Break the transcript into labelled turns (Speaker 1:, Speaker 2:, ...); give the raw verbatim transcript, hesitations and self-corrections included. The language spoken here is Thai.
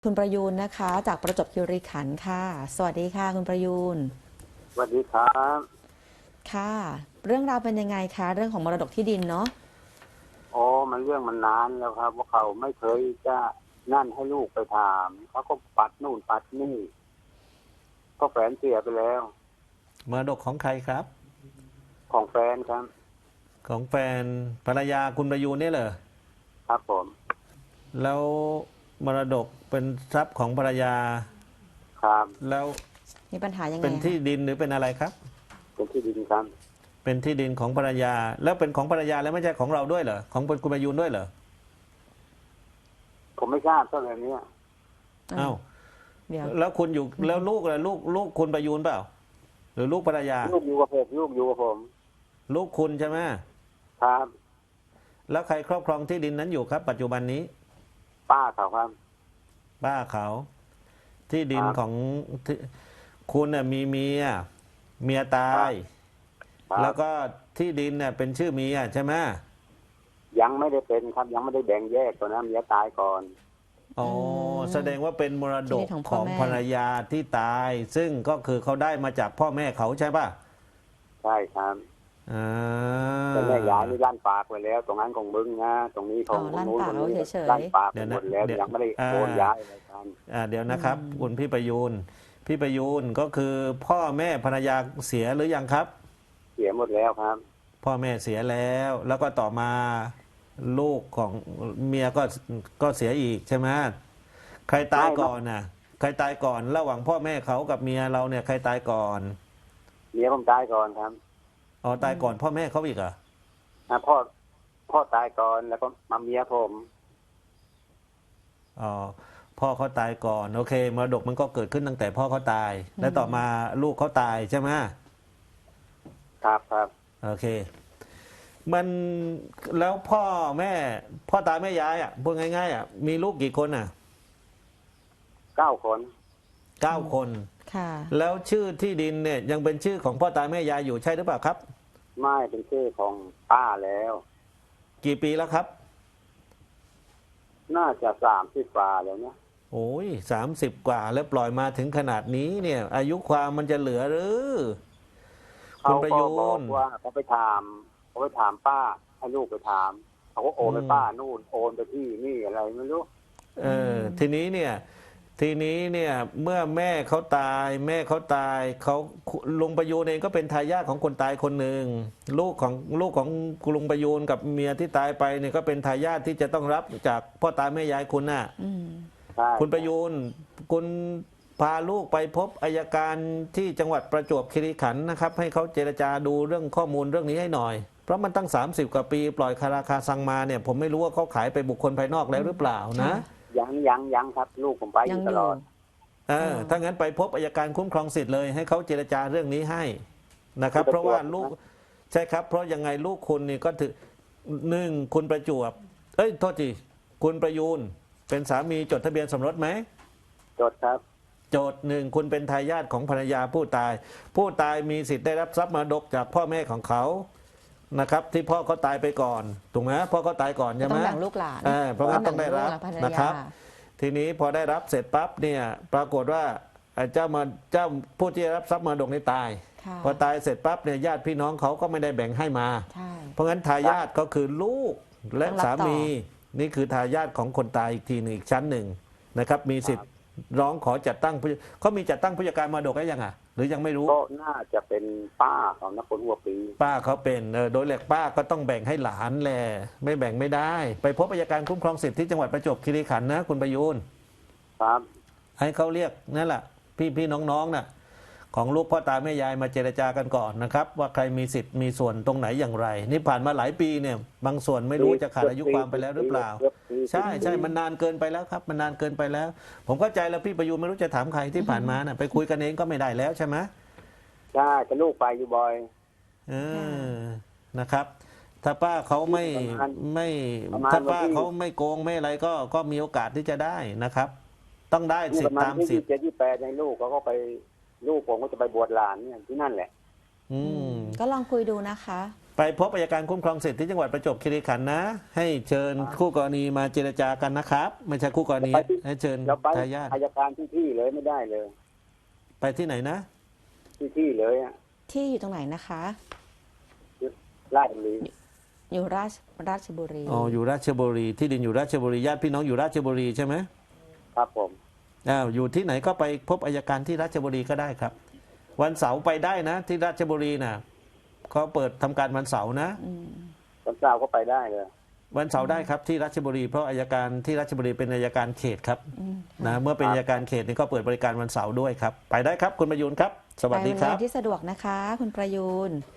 Speaker 1: คุณประยูนนะคะจากประจวบคีรีขันธ์ค่ะสวัสดีค่ะคุณประยูน
Speaker 2: สวัสดีครับ
Speaker 1: ค่ะเรื่องราวเป็นยังไงคะเรื่องของมรดกที่ดินเนาะ
Speaker 2: โอ้มันเรื่องมันนานแล้วครับว่าเขาไม่เคยจะนั่นให้ลูกไปถามเขาก็ปัดนู่นปัดนี่ก็แฟนเสียไปแล้ว
Speaker 3: มรดกของใครครับ
Speaker 2: ของแฟนครับ
Speaker 3: ของแฟนภรรยาคุณประยูนเนี่ยเหรอ
Speaker 2: ครับผม
Speaker 3: แล้วมรดกเป็นทรัพย์ของภรรยา
Speaker 2: ครับ
Speaker 3: แล้ว
Speaker 1: มีปัญหายังไง
Speaker 3: เป็นที่
Speaker 1: คะ
Speaker 3: ดินหรือเป็นอะไรครับ
Speaker 2: เป็นที่ดินครับ
Speaker 3: เป็นที่ดินของภรรยา แล้วเป็นของภรรยาแล้วไม่ใช่ของเราด้วยเหรอของคุณประยูนด้วยเหรอ
Speaker 2: ผมไม่ทราบเท่าไหร่เนี้ย
Speaker 3: อ้าว
Speaker 1: เดี๋ยว
Speaker 3: แล้วคุณอยู่แล้วลูกล่ะลูกลูกคุณประยูนเปล่าหรือลูกภรรยา
Speaker 2: ลูกอยู่กับผมลูกอยู่กับผม
Speaker 3: ลูกคุณใช่ไหม
Speaker 2: ครับ
Speaker 3: แล้วใครครอบครองที่ดินนั้นอยู่ครับ ปัจจุบันนี้
Speaker 2: ป้าเขาครับ
Speaker 3: ป้าเขาที่ดิน
Speaker 2: ครับ
Speaker 3: ของที่คุณน่ะมีเมียเมียตาย
Speaker 2: ครับ
Speaker 3: แล้วก็ที่ดินเนี่ยเป็นชื่อเมียใช่ไหม
Speaker 2: ยังไม่ได้เป็นครับยังไม่ได้แบ่งแยกตัวนะเมียตายก่อน
Speaker 3: อ๋อแสดงว่าเป็นมรดก
Speaker 1: ที่ดินของพ่
Speaker 3: ข
Speaker 1: อ
Speaker 3: อง
Speaker 1: แม่
Speaker 3: ภรรยาที่ตาย ซึ่งก็คือเขาได้มาจากพ่อแม่เขาใช่ป่ะ
Speaker 2: ใช่ครับ
Speaker 3: อ่า
Speaker 2: แต่แม่ยายนี่ลั่นปากไปแล้ว ตรงนั้นของมึงนะตรงนี้ข
Speaker 1: อ๋
Speaker 2: อง
Speaker 1: อลั่น
Speaker 2: นู้น
Speaker 1: ปากเอา
Speaker 2: ตรงนี้
Speaker 1: เฉย
Speaker 2: ลั่นปากไป
Speaker 3: เดี๋ยว
Speaker 2: หม
Speaker 3: นะ
Speaker 2: ดแล้ว
Speaker 3: เดี๋ยว
Speaker 2: ยังไม่ได้
Speaker 3: อ่า
Speaker 2: โอนย้ายอะไรกัน
Speaker 3: อ่าเดี๋ยวนะครับคุณพี่ประยูนพี่ประยูนก็คือพ่อแม่ภรรยาเสียหรือยังครับ
Speaker 2: เสียหมดแล้วครับ
Speaker 3: พ่อแม่เสียแล้ว แล้วก็ต่อมาลูกของเมียก็ก็เสียอีกใช่ไหมใครตายก่อนน่ะใครตายก่อน ระหว่างพ่อแม่เขากับเมียเราเนี่ยใครตายก่อน
Speaker 2: เมียผมตายก่อนครับ
Speaker 3: อ๋อตายก่อนพ่อแม่เขาอีกเหรอ
Speaker 2: อ่ะพ่อพ่อตายก่อนแล้วก็มาเมียผม
Speaker 3: อ๋อพ่อเขาตายก่อนโอเคมรดกมันก็เกิดขึ้นตั้งแต่พ่อเขาตาย แล้วต่อมาลูกเขาตายใช่ไหม
Speaker 2: ครับครับ
Speaker 3: โอเค มันแล้วพ่อแม่ พ่อตายแม่ยายอ่ะพูดง่ายๆอ่ะมีลูกกี่คนอ่ะ
Speaker 2: เก้าคน
Speaker 3: เก้าคน
Speaker 1: ค่ะ
Speaker 3: แล้วชื่อที่ดินเนี่ยยังเป็นชื่อของพ่อตายแม่ยายอยู่ใช่หรือเปล่าครับ
Speaker 2: ไม่เป็นชื่อของป้าแล้ว
Speaker 3: กี่ปีแล้วครับ
Speaker 2: น่าจะสามสิบกว่าแล้วเนี่ย
Speaker 3: โอ้ยสามสิบกว่าแล้วปล่อยมาถึงขนาดนี้เนี่ย อายุความมันจะเหลือหรือคุ
Speaker 2: เขา
Speaker 3: ณประ
Speaker 2: ก็
Speaker 3: ยู
Speaker 2: บอก
Speaker 3: น
Speaker 2: ว่าเขาไปถามเขาไปถามป้าให้ลูกไปถามเขาก็โอนไปป้านู่นโอนไปที่นี่อะไรไม่รู้
Speaker 3: เออทีนี้เนี่ยทีนี้เนี่ยเมื่อแม่เขาตาย แม่เขาตายเขาลุงประยูนเองก็เป็นทายาทของคนตายคนหนึ่งลูกของลูกของลุงประยูนกับเมียที่ตายไปเนี่ยก็เป็นทายาทที่จะต้องรับจากพ่อตาแม่ยายคุณน่ะคุณประยูนคุณพาลูกไปพบอัยการที่จังหวัดประจวบคีรีขันธ์นะครับให้เขาเจรจาดูเรื่องข้อมูลเรื่องนี้ให้หน่อยเพราะมันตั้งสามสิบกว่าปีปล่อยคาราคาซังมาเนี่ยผมไม่รู้ว่าเขาขายไปบุคคลภายนอกแล้วหรือเปล่านะ
Speaker 2: ยังยังยังครับ ลูกผมไปอยู่ตลอด
Speaker 3: เออถ้างั้นไปพบอัยการคุ้มครองสิทธิ์เลยให้เขาเจรจาเรื่องนี้ให้นะครับเพราะว่าลูกใช่ครับเพราะยังไงลูกคุณนี่ก็ถือหนึ่งคุณประจวบเอ้ยโทษทีคุณประยูนเป็นสามีจดทะเบียนสมรสไหม
Speaker 2: จดครับ
Speaker 3: โจทย์หนึ่งคุณเป็นทายาทของภรรยาผู้ตาย ผู้ตายมีสิทธิ์ได้รับทรัพย์มรดกจากพ่อแม่ของเขานะครับที่พ่อเขาตายไปก่อนถูกไหมพ่อเขาตายก่อนใช่ไหม
Speaker 1: ต้องแบ่งลูกหลาน
Speaker 3: เพราะงั้นต้องได้รับนะครับทีนี้พอได้รับเสร็จปั๊บเนี่ยปรากฏว่าเจ้ามาเจ้าผู้ที่ได้รับทรัพย์มรดกนี้ตายพอตายเสร็จปั๊บเนี่ยญาติพี่น้องเขาก็ไม่ได้แบ่งให้มาเพราะงั้นทายาทก็คือลูกและสามีนี่คือทายาทของคนตายอีกทีหนึ่งอีกชั้นหนึ่งนะครับมีสิทธิ์ร้องขอจัดตั้งเขามีจัดตั้งผู้จัดการมรดกได้ยังอ่ะหรือยังไม่รู้
Speaker 2: ก็น่าจะเป็นป้าของนักคนหัวปี
Speaker 3: ป้าเขาเป็นเออโดยหลักป้าก็ต้องแบ่งให้หลานแหละไม่แบ่งไม่ได้ไปพบอัยการคุ้มครองสิทธิที่จังหวัดประจวบคีรีขันธ์นะคุณประยูน
Speaker 2: ครับ
Speaker 3: ให้เขาเรียกนั่นแหละพี่พี่น้องๆน่ะของลูกพ่อตาแม่ยายมาเจรจากันก่อนนะครับว่าใครมีสิทธิ์มีส่วนตรงไหนอย่างไรนี่ผ่านมาหลายปีเนี่ยบางส่วนไม่รู้จะขาดอายุความไปแล้วหรือเปล่าใช่ใช่มันนานเกินไปแล้วครับมันนานเกินไปแล้วผมเข้าใจแล้วพี่ประยูนไม่รู้จะถามใครที่ผ่านมาน่ะไปคุยกันเองก็ไม่ได้แล้วใช่ไหม
Speaker 2: ใช่จะลูกไปอยู่บ่อย
Speaker 3: เออนะครับถ้าป้าเขาไม่ไม่ถ้าป้าเขาไม่โกงไม่อะไรก็ก็มีโอกาสที่จะได้นะครับต้องได้สิทธิตามสิทธิ์
Speaker 2: เจ็ดยี่แปดในลูกเขาก็ไปลูกผมก็จะไปบวชหลานเนี่ยที่นั่นแหละ
Speaker 1: อืมก็ลองคุยดูนะคะ
Speaker 3: ไปพบอัยการคุ้มครองสิทธิ์ที่จังหวัดประจวบคีรีขันธ์นะ ให้เชิญคู่กรณีมาเจรจากันนะครับ ไม่ใช่คู่กรณี
Speaker 2: ไปที่
Speaker 3: ให้เชิญ
Speaker 2: เราไป
Speaker 3: ทายาท
Speaker 2: อายการที่ที่เลยไม่ได้เลย
Speaker 3: ไปที่ไหนนะ
Speaker 2: ที่ที่เลยอะ
Speaker 1: ที่อยู่ตรงไหนนะคะ
Speaker 2: ราชบุรี
Speaker 1: อยู่ราชราชบุรี
Speaker 3: อ๋ออยู่ราชบุรีที่ดินอยู่ราชบุรีญาติพี่น้องอยู่ราชบุรีใช่ไหม
Speaker 2: ครับผม
Speaker 3: อ้าวอยู่ที่ไหนก็ไปพบอัยการที่ราชบุรีก็ได้ครับ วันเสาร์ไปได้นะ ที่ราชบุรีนะเขาเปิดทำการวันเสาร์นะ
Speaker 2: วันเสาร์ก็ไปได้เลย
Speaker 3: วันเสาร์ได้ครับที่ราชบุรีเพราะอัยการที่ราชบุรีเป็นอัยการเขตครับนะเมื่อเป็นอัยการเขตนี่ก็เปิดบริการวันเสาร์ด้วยครับ ไปได้ครับคุณประยูนครับ สวัส
Speaker 1: ไป
Speaker 3: ดี
Speaker 1: วัน
Speaker 3: ครั
Speaker 1: ไห
Speaker 3: บ
Speaker 1: นที่สะดวกนะคะ คุณประยูน